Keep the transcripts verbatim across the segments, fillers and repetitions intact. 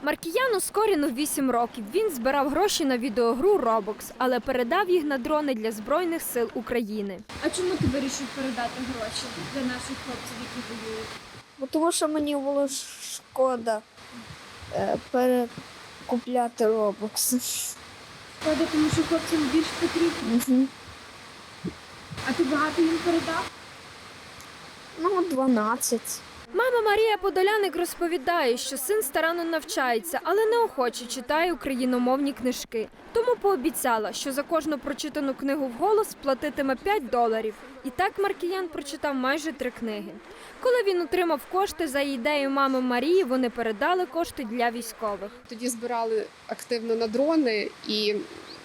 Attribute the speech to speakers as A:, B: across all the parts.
A: Маркіяну Скоріну вісім років. Він збирав гроші на відеогру Roblox, але передав їх на дрони для Збройних сил України.
B: А чому ти вирішив передати гроші для наших хлопців, які воюють?
C: Бо тому що мені було шкода е, перекупляти Roblox.
B: Шкода, тому що хлопцям більш потрібно.
C: Угу.
B: А ти багато їм передав?
C: Ну, дванадцять.
A: Мама Марія Подоляник розповідає, що син старанно навчається, але неохоче читає україномовні книжки. Тому пообіцяла, що за кожну прочитану книгу вголос платитиме п'ять доларів. І так Маркіян прочитав майже три книги. Коли він отримав кошти за ідею мами Марії, вони передали кошти для військових.
D: Тоді збирали активно на дрони і,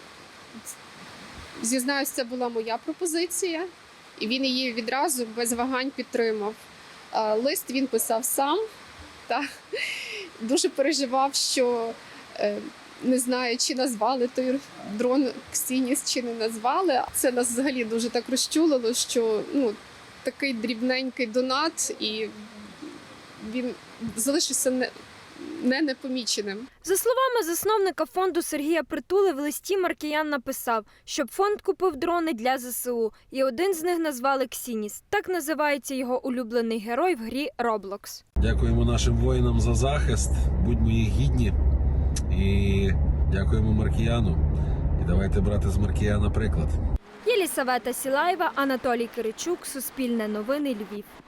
D: зізнаюсь, це була моя пропозиція. І він її відразу без вагань підтримав. Лист він писав сам, та дуже переживав, що не знаю, чи назвали той дрон Ксініс, чи не назвали. Це нас взагалі дуже так розчулило, що ну, такий дрібненький донат, і він залишився не, не непоміченим.
A: За словами засновника фонду Сергія Притули, в листі Маркіян написав, щоб фонд купив дрони для зе се у, і один з них назвали Ксініс. Так називається його улюблений герой в грі Roblox.
E: Дякуємо нашим воїнам за захист, будьмо їх гідні і дякуємо Маркіяну. І давайте брати з Маркіяна приклад.
A: Єлісавета Сілаєва, Анатолій Киричук, Суспільне новини, Львів.